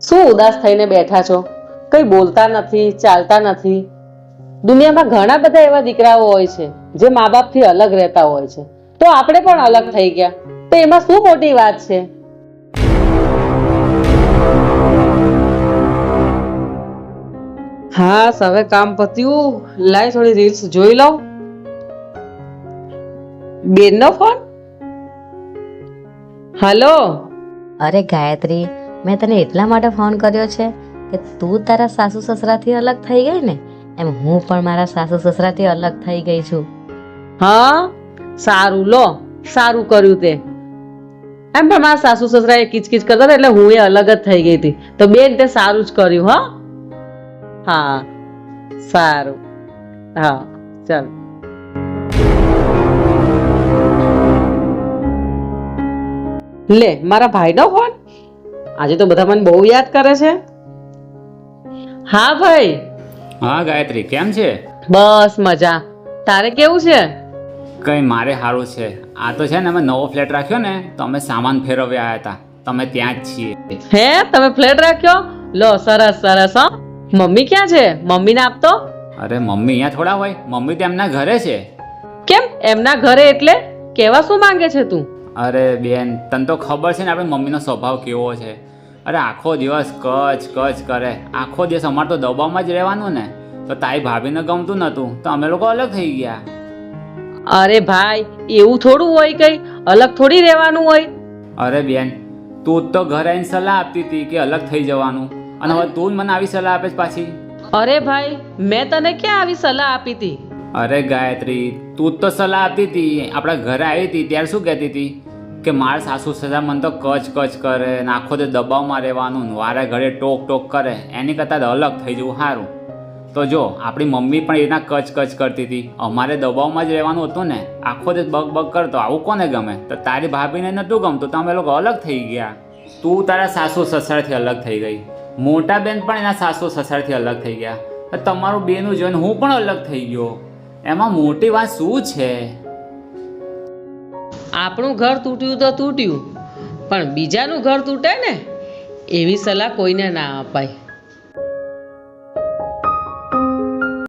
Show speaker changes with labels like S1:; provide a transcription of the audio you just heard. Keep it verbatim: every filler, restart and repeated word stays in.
S1: શું ઉદાસ થઈને બેઠા છો? કઈ બોલતા નથી, ચાલતા નથી. દુનિયામાં ઘણા બધા એવા દીકરાઓ હોય છે જે મા બાપથી અલગ રહેતા હોય છે, તો આપણે પણ અલગ થઈ ગયા, તો એમાં શું મોટી વાત છે? હા, હવે કામ પત્યું. લાય થોડી રીલ્સ જોઈ લઉં. બેનનો ફોન? હલો.
S2: અરે ગાયત્રી, મેં તને એટલા માટે ફોન કર્યો છે કે તું તારા સાસુ સસરાથી અલગ થઈ ગઈ ને, એમ હું પણ મારા સાસુ સસરાથી અલગ થઈ ગઈ છું.
S1: હા, સારું, લો, સારું કર્યું તે. એમ પણ મારા સાસુ સસરા એ કિચકિચ કરતા હતા એટલે હું એ અલગ જ થઈ ગઈ હતી. તો બેન તે સારું જ કર્યું. હા હા, સારું. હા, ચાલ. લે, મારા ભાઈનો ફોન. આજે તો બધા મને બહુ યાદ કરે છે. હા ભાઈ.
S3: હા ગાયત્રી, કેમ છે?
S1: બસ મજા. તારે કેવું છે?
S3: કંઈ મારે સારું છે. આ તો છે ને, અમે નવો ફ્લેટ રાખ્યો ને, તો અમે સામાન ફેરવ્યા આવ્યા હતા. તમે ત્યાં જ છીએ.
S1: હે, તમે ફ્લેટ રાખ્યો? લો, સરસ સરસ. હો, મમ્મી ક્યાં છે? મમ્મીને આપતો.
S3: અરે મમ્મી અહીંયા થોડા હોય, મમ્મી તો એમના ઘરે છે.
S1: કેમ એમના ઘરે એટલે? કેવા શું માંગે છે તું?
S3: અરે બેન, તને તો ખબર છે ને આપણી મમ્મીનો સ્વભાવ કેવો છે. અરે આખો દિવસ કચ કચ કરે. આખો દિવસ અમારે તો દબાવમાં જ રહેવાનું ને. તો તારી ભાભીને ગમતું નહોતું, તો અમે લોકો અલગ થઈ ગયા.
S1: અરે ભાઈ, એવું થોડું હોય, કઈ અલગ થોડી રહેવાનું હોય.
S3: અરે બેન, તું જ તો ઘરે આવીને સલાહ આપતી હતી કે અલગ થઈ જવાનું, અને હવે તું જ મને આવી સલાહ આપે છે પાછી.
S1: અરે ભાઈ, મેં તને ક્યાં આવી સલાહ આપી હતી?
S3: અરે ગાયત્રી, તું જ તો સલાહ આપતી હતી. આપણા ઘરે આવી હતી ત્યારે શું કહેતી હતી કે મારા સાસુ સસરા મને તો કચ કચ કરે ને આખો તે દબાવમાં રહેવાનું, વારે ઘરે ટોક ટોક કરે, એની કરતાં અલગ થઈ જવું સારું. તો જો આપણી મમ્મી પણ એના કચ કચ કરતી હતી, અમારે દબાવમાં જ રહેવાનું હતું ને, આખો દિવસ બગ બગ કરતો. આવું કોને ગમે? તો તારી ભાભીને નહોતું ગમતું, તો અમે લોકો અલગ થઈ ગયા. તું તારા સાસુ સસરાથી અલગ થઈ ગઈ, મોટા બેન પણ એના સાસુ સસરાથી અલગ થઈ ગયા, તમારું બેનું જોઈને હું પણ અલગ થઈ ગયો. એમાં મોટી વાત શું છે?
S1: આપણું ઘર તૂટ્યું તો તૂટ્યું, પણ બીજાનું ઘર તૂટે ને, એવી સલાહ કોઈને ના અપાય.